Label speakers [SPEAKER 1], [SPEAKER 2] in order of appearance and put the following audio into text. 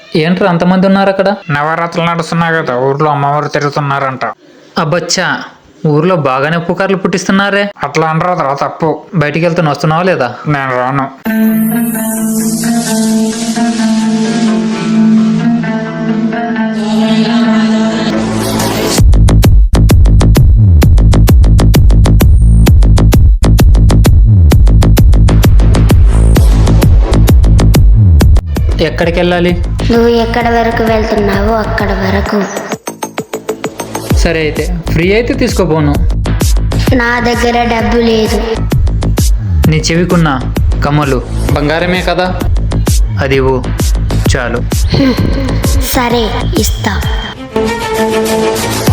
[SPEAKER 1] ఏంట్రా అంతమంది ఉన్నారు అక్కడ?
[SPEAKER 2] నవరాత్రులు నడుస్తున్నాయి కదా, ఊర్లో అమ్మవారు తిరుగుతున్నారంట.
[SPEAKER 1] అబ్బచ్చా, ఊర్లో బాగానే పుకార్లు పుట్టిస్తున్నారే.
[SPEAKER 2] అట్లా అనరాదురా, తప్పు.
[SPEAKER 1] బయటికి వెళ్తున్నా, వస్తున్నావా లేదా?
[SPEAKER 2] నేను రాను.
[SPEAKER 1] ఎక్కడికి వెళ్ళాలి?
[SPEAKER 3] నువ్వు ఎక్కడ వరకు వెళ్తున్నావో అక్కడ వరకు.
[SPEAKER 1] సరే అయితే, ఫ్రీ అయితే తీసుకోపోను.
[SPEAKER 3] నా దగ్గర డబ్బు లేదు.
[SPEAKER 1] నీ చెవికున్న కమ్మలు బంగారమే కదా, అది ఇవ్వు చాలు.
[SPEAKER 3] సరే, ఇస్తా.